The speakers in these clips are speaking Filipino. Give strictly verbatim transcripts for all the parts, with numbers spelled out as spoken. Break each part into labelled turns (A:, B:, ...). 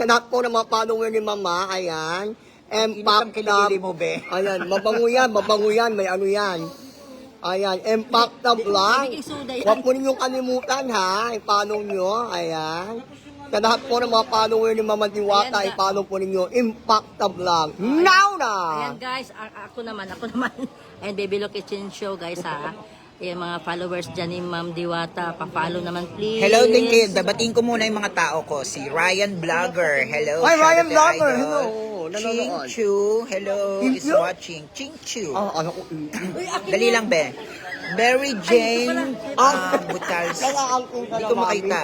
A: Sa lahat po ng mga follower ni Mama, ayan.
B: Init ang
A: Impact
B: kilikili mo, be.
A: Ayan, mabango yan, mabango yan, may ano yan. Ayan, Impact na vlog. Huwag po ninyong kalimutan ha, i-follow nyo, ayan. Sa lahat po ng mga follower ni Mama Diwata,
C: Ayan,
A: i-follow po ninyo, Impact na vlog. Now na!
C: Ayan guys, a- ako naman, ako naman. And Baby Lo Kitchen Show guys ha. Yung mga followers dyan ni Ma'am Diwata, pa-follow naman please.
B: Hello din kayo. Dabating ko muna yung mga tao ko. Si Ryan Vlogger. Hello.
A: Hi,
B: shout
A: Ryan
B: out to
A: Vlogger.
B: Idol.
A: Hello.
B: Ching
A: Nanonood.
B: Chu. Hello.
A: Ching
B: Is
A: Chu?
B: watching. Ching Chu.
A: Ah, ano ko?
B: Dali lang, be. Mary Jane
A: Ah.
B: um, Butals.
A: Nakaangkong ka
B: Hindi
A: na,
B: ko
A: Mami.
B: makita.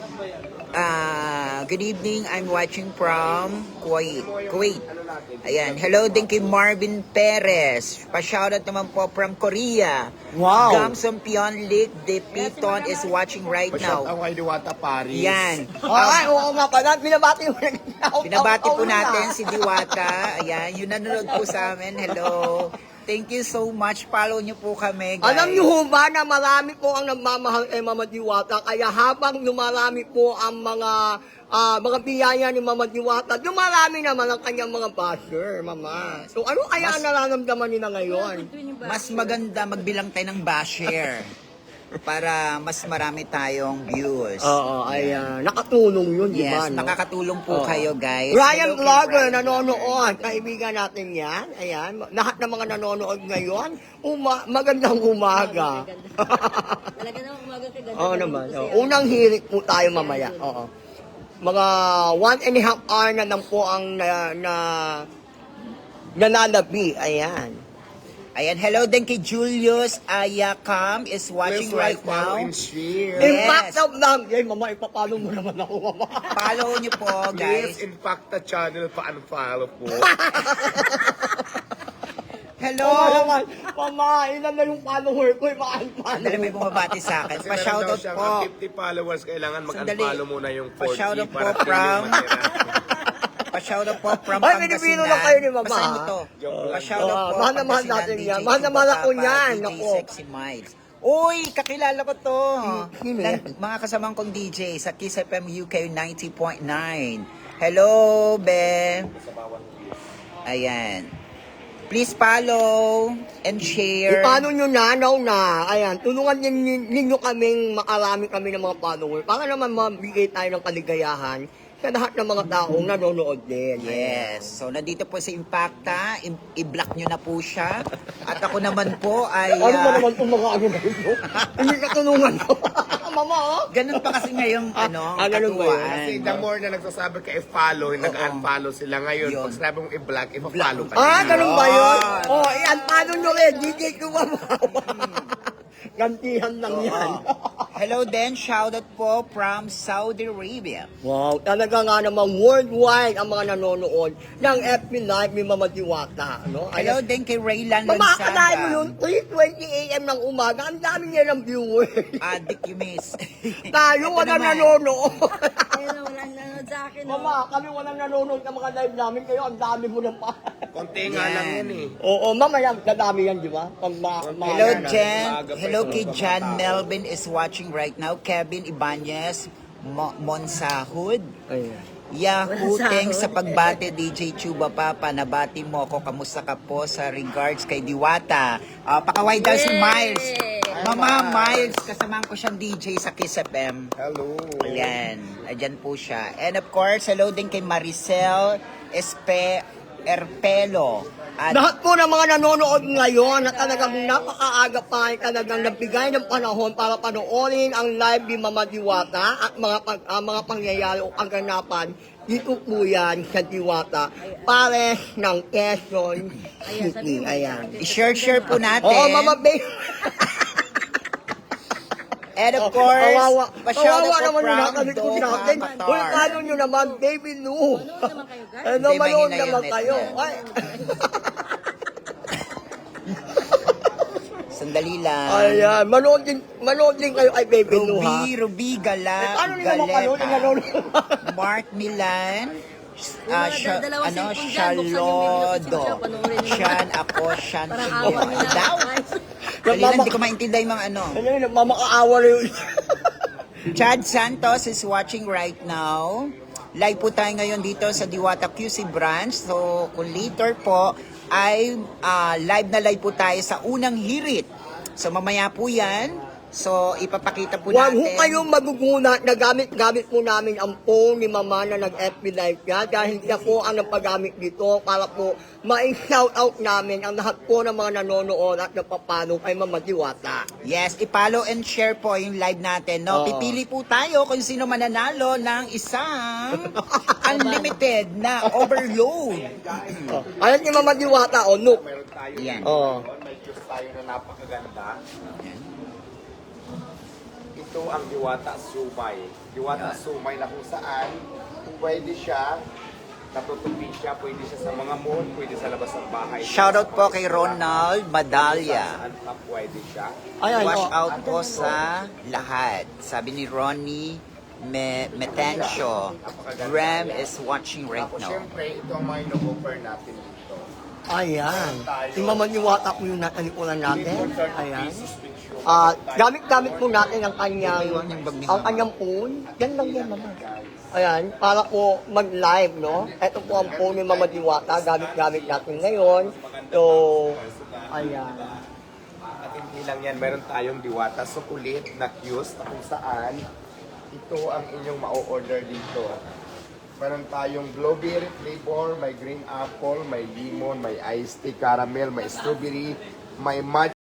B: Ah, good evening. I'm watching from Kuwait. Kuwait. Ayan. Hello din kay Marvin Perez. Pa-shoutout naman po from Korea.
A: Wow.
B: Gamson Pionlik de Piton is watching right
D: Shout
B: now.
D: out kay Diwata Paris.
B: Yan.
A: Ay, oo nga pala, binabati mo na.
B: Binabati po natin si Diwata. Ayan, yung nanonood po sa amin. Hello. Thank you so much. Follow niyo po kami, guys.
A: Alam niyo ho ba na marami po ang nagmamahal kay Mama Diwata, kaya habang lumarami po ang mga ah, mga biyaya ni Mama Diwata, dumarami naman ang kanyang mga basher, Mama. So ano kaya ang nararamdaman nila ngayon?
B: Mas maganda magbilang tayo ng basher para mas marami tayong views.
A: Oo, ayan. Nakatulong yun, di ba?
B: Yes,
A: no?
B: nakakatulong po
A: Oo.
B: kayo, guys.
A: Ryan
B: Hello kay
A: Vlogger,
B: Ryan
A: nanonood. Kaibigan natin yan. Ayan. Lahat ng mga nanonood ngayon, uma magandang umaga.
C: Talaga naman umaga kay ganda.
A: Oo naman. Oo. Unang hirit po tayo mamaya. Oo. Mga one and a half hour na lang po ang na, na nanalabi. Ayan.
B: Ayan, hello din kay Julius Ayakam is watching
D: Please
B: right
D: like, follow,
B: now.
D: and share.
B: Yes.
A: Impact of lang. Yay, mama, ipapalo mo naman ako, mama.
B: Follow niyo po,
D: Please,
B: guys.
D: impact the channel pa follow po.
B: Hello.
A: Oo naman. Mama, ilan na yung follower ko. Ipa-unfollow.
B: Dali may bumabati sa akin.
D: Kasi meron daw
B: Pa-shoutout
D: siyang
B: po.
D: fifty followers, kailangan
B: Sandali.
D: mag-unfollow muna yung forty
B: Pa-shoutout po
D: para
B: from-
D: feeling matira.
B: Pa-shoutout po from
A: Ay,
B: Pangasinan.
A: Pilipino lang kayo ni Mama,
B: Basahin mo
A: ha?
B: to.
D: Joke lang.
B: Pa-shoutout
A: Oo,
B: po.
A: mahal na mahal
B: Pangasinan,
A: natin
B: D J
A: yan. Mahal na mahal ako
B: Chubapapa,
A: yan.
B: D J
A: Naku.
B: Sexy Miles. Uy, kakilala ko to.
A: Sino
B: Nan-
A: yan?
B: Mga kasamang kong D J sa Kiss F M U K ninety point nine. Hello, Be. Ayan. Please follow and share.
A: Paano nyo na, now na, ayan, tulungan ninyo, ninyo kaming makarami kami ng mga follower para naman mabigay tayo ng kaligayahan sa lahat ng mga taong nanonood din.
B: Yes. So, nandito po si Impacta. I- I-block nyo na po siya. At ako naman po ay...
A: Ano ba
B: ah,
A: naman itong mga ano na ito? Hindi ka tulungan ko. Mama, oh.
B: ganun pa kasi ngayong ano,
A: ah, ganun ba yun?
B: katuwaan.
D: Kasi the more na nagsasabi ka i-follow, nag-unfollow sila ngayon.
B: Yun.
D: Pag sinabi mong i-block, i-follow ka.
A: Ah,
D: nila.
A: ganun ba yun? Oh, iyan, paano nyo rin? D J ko ba? Gantihan lang yan.
B: Hello din, shoutout po from Saudi Arabia.
A: Wow, talaga nga namang worldwide ang mga nanonood ng F B Live ni Mama Diwata. No?
B: Hello din kay Raylan
A: Mamakalain mo
B: Lonsaga.
A: yun, three twenty a m ng umaga, ang dami niya ng viewers.
B: Adik you miss.
A: Tayo,
B: Ito
A: walang
B: naman.
A: nanonood.
C: Ayun na, walang nanonood sa akin. no?
A: Mama, kami walang nanonood ng mga live namin, kayo ang dami mo ng pa.
D: Konti nga lang yan eh.
A: Oo, mamaya, dadami yan, di ba? Pag ma ma-
B: Hello
A: na-
B: Jen.
D: Maaga pa
B: Hello
D: yung
B: kay
D: mga
B: Jan
D: tao.
B: Melvin is watching right now. Kevin Ibanez Mo- Monsahud.
A: Ayan.
B: Yahoo,
C: Monsahud.
B: thanks sa pagbate D J Chuba Papa. Nabati mo ako. Kamusta ka po sa regards kay Diwata? Uh, pakaway daw si
C: Yay!
B: Miles. Mama Miles, kasamahan ko siyang D J sa Kiss F M.
D: Hello.
B: Ayan, ayan po siya. And of course, hello din kay Maricel Espe Erpelo. At
A: Lahat po ng mga nanonood ngayon na talagang napakaaga pa ay talagang nagbigay ng panahon para panoorin ang live ni Mama Diwata at mga pag, ah, mga pangyayari o kaganapan dito po yan sa Diwata Pares ng Quezon City. Ayan.
B: i-share-share po natin.
A: Oo, Mama Bay.
B: And of course,
A: kawawa,
B: pa-shoutout
A: kawawa
B: po
A: naman yung
B: from
A: nakalikod
B: Doha,
A: natin.
B: Qatar.
A: Uy, paano nyo naman, Baby Lou?
C: Manood naman kayo, guys.
A: Ano,
B: Hindi,
A: manood
B: mahina yung
A: naman
B: net
A: kayo.
B: niya.
A: Ay.
B: Sandali lang.
A: Ayan, manood din, manood din kayo kay Baby Lou, ha?
B: Ruby, Ruby Gala,
A: Eh, paano nila mapanood yung nanonood?
B: Mark Milan,
C: Yung
B: ah,
C: mga
B: Sha-
C: dalawang
B: ano,
C: cellphone dyan, buksan yung video
B: Shalodo.
C: kasi panoorin nyo.
B: Shan, ako, Shan,
C: Parang
B: Sibo.
C: awa nila.
B: Ano daw? Dali lang, hindi ko maintindihan yung mga ano.
A: Ano yun, mamakaawa na yun.
B: Chad Santos is watching right now. live po tayo ngayon dito sa Diwata Q C branch. So, kung later po, ay ah, live na live po tayo sa unang hirit. So, mamaya po yan. So, ipapakita po
A: Huwag ho
B: natin.
A: kayong maguguna na gamit-gamit po namin ang phone ni Mama na nag-F B Live yan dahil siya po ang nagpagamit dito para po ma-shoutout namin ang lahat po ng mga nanonood at napapalo kay Mama Diwata.
B: Yes, i-follow and share po yung live natin. No?
A: Oo.
B: Pipili po tayo kung sino mananalo ng isang unlimited na overload.
A: Oh. Ayan si Mama Diwata, o, look.
D: Meron tayo.
B: Yan.
A: Oh.
D: May juice tayo na napakaganda.
B: Yan.
D: Ito ang Diwata Sumay. Diwata Sumay na kung saan pwede siya, natutupi siya, pwede siya sa mga mall, pwede sa labas ng bahay.
B: Shoutout po kay Ronald Madalya.
D: Saan pa pwede siya.
A: Ayan,
B: Wash
A: oh.
B: out po sa lahat. Sabi ni Ronnie Me Metencio. Ram is watching right
D: Tapos
B: now.
D: syempre, ito ang mga ino-offer natin dito.
A: Ayan. Si Mama Diwata po yung natalikuran natin.
D: thirty
A: Ayan.
D: pesos with you.
A: Ah, gamit-gamit po natin ang kanyang
B: Iwan yung bag ni
A: ang
B: Mama.
A: kanyang phone. Yan lang yan, Mama. Ayan, para po mag-live, no? Ito po ang phone ni Mama Diwata, gamit-gamit natin ngayon. So, ayan.
D: At hindi lang yan, meron tayong Diwata Sukulit na Q's na kung saan ito ang inyong ma-order dito. Meron tayong blueberry flavor, may green apple, may lemon, may iced tea caramel, may strawberry, may matcha.